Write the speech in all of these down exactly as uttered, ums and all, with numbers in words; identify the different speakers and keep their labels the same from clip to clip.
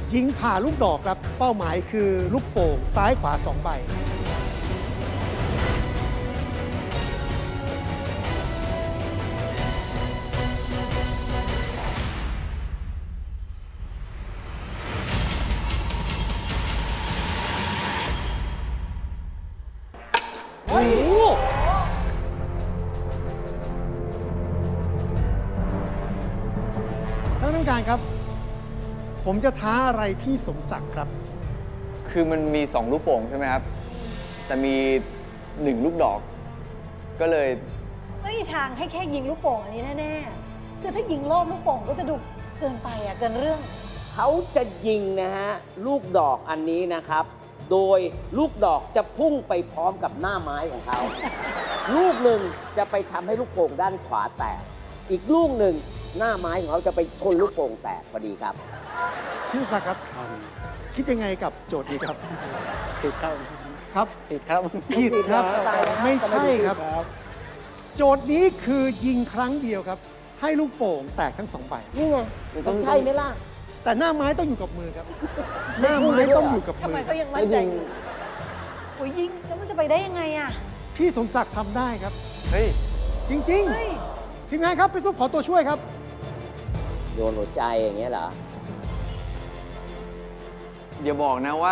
Speaker 1: ยิงผ่าลูกดอกครับเป้าหมายคือลูกโป่งซ้ายขวาสองใบโอ้โหท่านผู้การครับ ผมจะท้าอะไรพี่สมศักดิ์ครับ
Speaker 2: คือมันมีสองลูกโป่งใช่ไหมครับ แต่มีหนึ่งลูกดอก ก็เลย
Speaker 3: ไม่มีทางให้แค่ยิงลูกโป่งอันนี้แน่ๆ คือถ้ายิงรอบลูกโป่งก็จะดูเกินไปอ่ะเกินเรื่อง
Speaker 4: เขาจะยิงนะฮะลูกดอกอันนี้นะครับ โดยลูกดอกจะพุ่งไปพร้อมกับหน้าไม้ของเขา ลูกหนึ่งจะไปทำให้ลูกโป่งด้านขวาแตก อีกลูกหนึ่งหน้าไม้ของเขาจะไปชนลูกโป่งแตกพอดีครับ
Speaker 1: พี่สมศักดิ์ครับ คิดยังไงกับโจทย์นี้ครับ
Speaker 5: ผิดครับ
Speaker 1: ครับ
Speaker 5: ผิดครับ
Speaker 1: ผิดครับ
Speaker 4: ตายแล้ว
Speaker 1: ไม่ใช่ครับ โจทย์นี้คือยิงครั้งเดียวครับ ให้ลูกโป่งแตกทั้งสองใบ
Speaker 4: นี่ไงมันใช่ไหมล่ะ
Speaker 1: แต่หน้าไม้ต้องอยู่กับมือครับ หน้าไม้ต้องอยู่กับ
Speaker 3: ทำ
Speaker 1: มื
Speaker 3: ไม
Speaker 1: อ
Speaker 3: เขายังมั่นใจอยู่โอ้ยยิงแล้วมันจะไปได้ยังไงอ่ะ
Speaker 1: พี่สมศักดิ์ทำได้ครับ
Speaker 2: เฮ้ย
Speaker 1: จริง
Speaker 3: เฮ้ย
Speaker 1: ๆ ทีมงานครับพี่ซุปขอตัวช่วยครับ
Speaker 4: โยนหัวใจอย่างเงี้ยเหรอ
Speaker 2: อย่าบอกนะว่า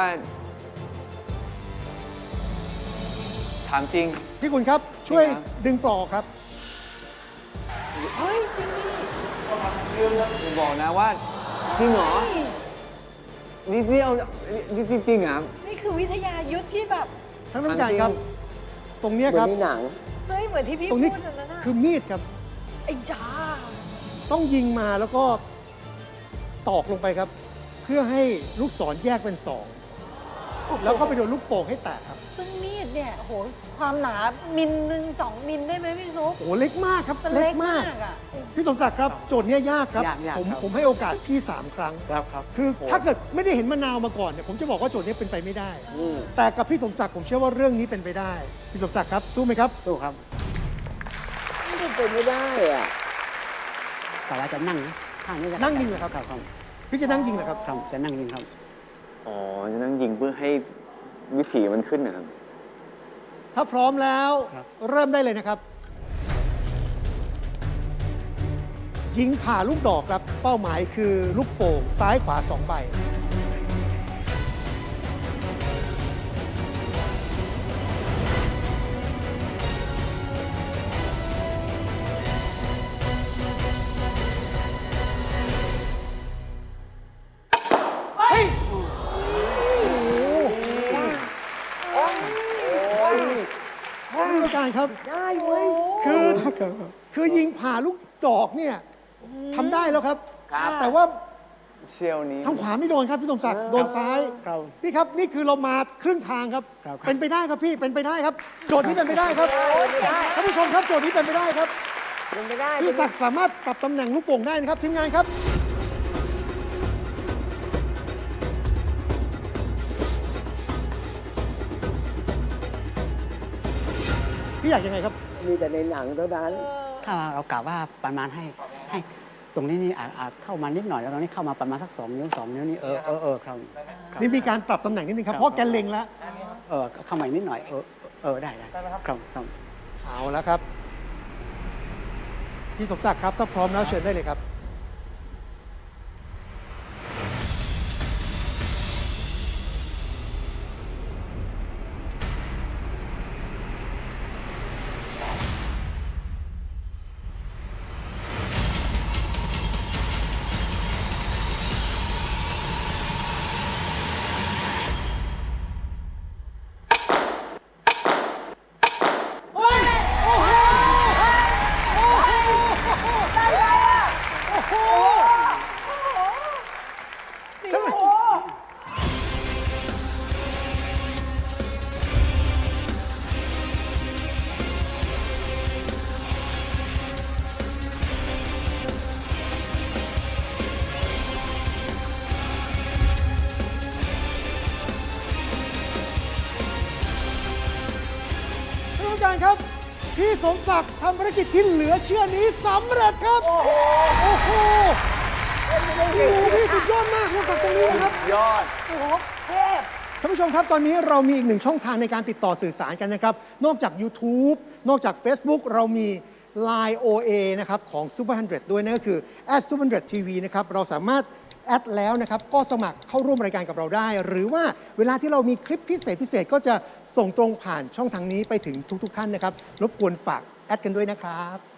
Speaker 2: ถามจริง
Speaker 1: พี่คุณครับช่วย
Speaker 2: จริงครับ
Speaker 1: ดึงปลอกครับ
Speaker 3: เฮ้ย จริงดิ
Speaker 2: อย่าบอกนะว่า จริงเหรอ
Speaker 3: เฮ้ย
Speaker 2: นี่นี่เอานี่จริงๆเหรอครับ
Speaker 3: นี่คือวิทยายุทธที่แบบ
Speaker 1: ท่านผู้การครับ
Speaker 2: จริง
Speaker 1: ตรงเนี้ย
Speaker 4: เหมื
Speaker 1: ค
Speaker 4: อ
Speaker 1: รับ
Speaker 4: นในหนัง
Speaker 3: เฮ้ย เหมือนที่พี่
Speaker 1: ตรง
Speaker 3: พู
Speaker 1: นี้
Speaker 3: ดนั่นน่ะ
Speaker 1: คือมีดครับ
Speaker 3: ไอ้จ้า
Speaker 1: ต้องยิงมาแล้วก็ตอกลงไปครับ เพื่อให้ลูกศรแยกเป็นสองแล้วก็ไปโดนลูกโป่งให้แตกครับ
Speaker 3: ซึ่งมีดเนี่ย โห ความหนามิลหนึ่งสองมิลได้ไหมพี่ซุป
Speaker 1: โอ้โหเล็กมากครับ
Speaker 3: มัน
Speaker 1: เล็
Speaker 3: เล็
Speaker 1: ก
Speaker 3: ก
Speaker 1: มาม
Speaker 3: าก กอ่ะ
Speaker 1: พี่สมศักดิ์ครับโจทย์เนี้ยยากครับ
Speaker 5: ยากยาก
Speaker 1: ผม
Speaker 5: ครับ
Speaker 1: ผมให้โอกาสพี่สามครั้ง
Speaker 5: ครับครับ
Speaker 1: คือ
Speaker 5: โอ้
Speaker 1: ถ้าเกิดไม่ได้เห็นมะนาวมาก่อนเนี่ยผมจะบอกว่าโจทย์นี้เป็นไปไม่ได้
Speaker 4: อืม
Speaker 1: แต่กับพี่สมศักดิ์ผมเชื่อว่าเรื่องนี้เป็นไปได้ พี่สมศักดิ์ครับสู้ไหมครับ
Speaker 5: สู้ครับ
Speaker 4: ไม่เป็นไม่ได้อะ
Speaker 5: แต่ว่าจะนั่งข้างนี้จะ
Speaker 1: นั่งยิงเหรอครับ
Speaker 5: ครับครับ
Speaker 1: พี่จะนั่งยิงเหรอครับ
Speaker 5: ครับจะนั่งยิงครับ
Speaker 2: อ๋อ จะนั่งยิงเพื่อให้วิถีมันขึ้นนะครับ
Speaker 1: ถ้าพร้อมแล้ว
Speaker 5: ครับ
Speaker 1: เริ่มได้เลยนะครับ ยิงผ่าลูกดอกครับเป้าหมายคือลูกโป่งซ้ายขวาสองใบเฮ้ยท่านผู้การครับ
Speaker 4: ได้เว้ย
Speaker 1: คือ คือยิงผ่าลูกดอกเนี่ยทำได้แล้วครับ
Speaker 4: ครับ
Speaker 1: แต่ว่า
Speaker 2: เชี่ยวนี้
Speaker 1: ทางขวาไม่โดนครับพี่สมศักดิ์โดนซ้าย
Speaker 5: ครับ
Speaker 1: พี่ครับนี่คือเรามาครึ่งทางครับ
Speaker 5: ครับ
Speaker 1: เป็นไปได้ครับพี่เป็นไปได้ครับ โจทย์นี้เป็นไปได้ครับท่านผู้ชมครับโจทย์นี้เป็นไปได้ครับ
Speaker 4: เป็นไปได้
Speaker 1: พี่สมศักดิ์สามารถปรับตำแหน่งลูกโป่งได้นะครับทีมงานครับ พี่อยากยังไงครับ
Speaker 4: มีแต่ในหนังเท่านั้น
Speaker 5: ถ้าเรากล่าวว่าประมาณให้ให้ตรงนี้นี่อาจอาจเข้ามานิดหน่อยแล้วตรงนี้เข้ามาประมาณสักสองนิ้วสองนิ้วนี่เออเออเออครับครับ
Speaker 1: นี่มีการปรับตำแหน่งนิดนึงครับ
Speaker 5: ครับ
Speaker 1: เพราะแกเล็งแล้ว
Speaker 5: เออเข้ามาอีกนิดหน่อยเออเออได้ได้ครับครับ
Speaker 1: เอาแล้วครับพี่สมศักดิ์ครับถ้าพร้อมแล้วเชิญได้เลยครับ โอ้ยโอ้โหโอ้โหได้ไงอ่ะโอ้โห
Speaker 3: โอ้โห
Speaker 1: ท่านผู้การครับ พี่สมศักดิ์ทำภารกิจที่เหลือเชื่อนี้สำเร็จครับ โอ้โห โอ้โห โอ้โหพี่สุดยอดมากพี่สมศักดิ์ตรงนี้นะครับ
Speaker 4: ยอด
Speaker 3: โอ้โหเทพ
Speaker 1: ท่านผู้ชมครับ ตอนนี้เรามีอีกหนึ่งช่องทางในการติดต่อสื่อสารกันนะครับ นอกจาก YouTube นอกจาก Facebook เรามี ไลน์ โอ เอ นะครับของ Super หนึ่งร้อย ด้วยนั่นก็คือ แอท Super หนึ่งร้อย ที วี นะครับ เราสามารถแอดแล้วนะครับ ก็สมัครเข้าร่วมรายการกับเราได้ หรือว่าเวลาที่เรามีคลิปพิเศษพิเศษก็จะส่งตรงผ่านช่องทางนี้ไปถึงทุกๆท่านนะครับ รบกวนฝากแอดกันด้วยนะครับ